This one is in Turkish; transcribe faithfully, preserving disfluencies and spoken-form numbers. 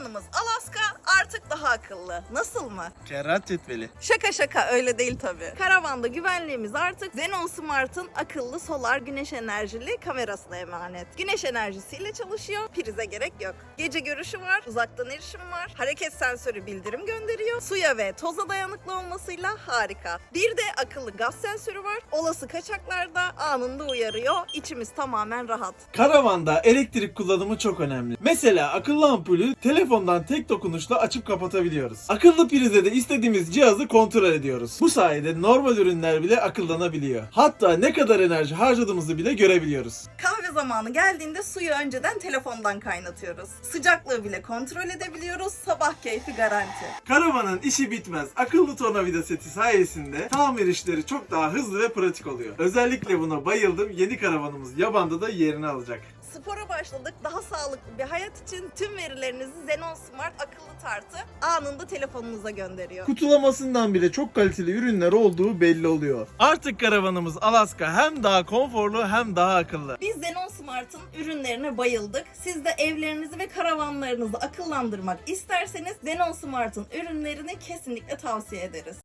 Karavanımız Alaska artık daha akıllı. Nasıl mı? Kerrat cetveli. Şaka şaka, öyle değil tabii. Karavanda güvenliğimiz artık Xenon Smart'ın akıllı solar güneş enerjili kamerasına emanet. Güneş enerjisiyle çalışıyor, prize gerek yok. Gece görüşü var, uzaktan erişim var, hareket sensörü bildirim gönderiyor, suya ve toza dayanıklı olmasıyla harika. Bir de akıllı gaz sensörü var, olası kaçaklarda anında uyarıyor, içimiz tamamen rahat. Karavanda elektrik kullanımı çok önemli. Mesela akıllı ampulü telefondan tek dokunuşla açıp kapatabiliyoruz. Akıllı prize de istediğimiz cihazı kontrol ediyoruz. Bu sayede normal ürünler bile akıllanabiliyor. Hatta ne kadar enerji harcadığımızı bile görebiliyoruz. Kahve zamanı geldiğinde suyu önceden telefondan kaynatıyoruz. Sıcaklığı bile kontrol edebiliyoruz, sabah keyfi garanti. Karavanın işi bitmez. Akıllı tornavida seti sayesinde tamir işleri çok daha hızlı ve pratik oluyor. Özellikle buna bayıldım. Yeni karavanımız Yaban'da da yerini alacak. Spora başladık. Daha sağlıklı bir hayat için tüm verilerinizi Xenon Smart akıllı tartı anında telefonunuza gönderiyor. Kutulamasından bile çok kaliteli ürünler olduğu belli oluyor. Artık karavanımız Alaska hem daha konforlu hem daha akıllı. Biz Xenon Smart'ın ürünlerine bayıldık. Siz de evlerinizi ve karavanlarınızı akıllandırmak isterseniz Xenon Smart'ın ürünlerini kesinlikle tavsiye ederiz.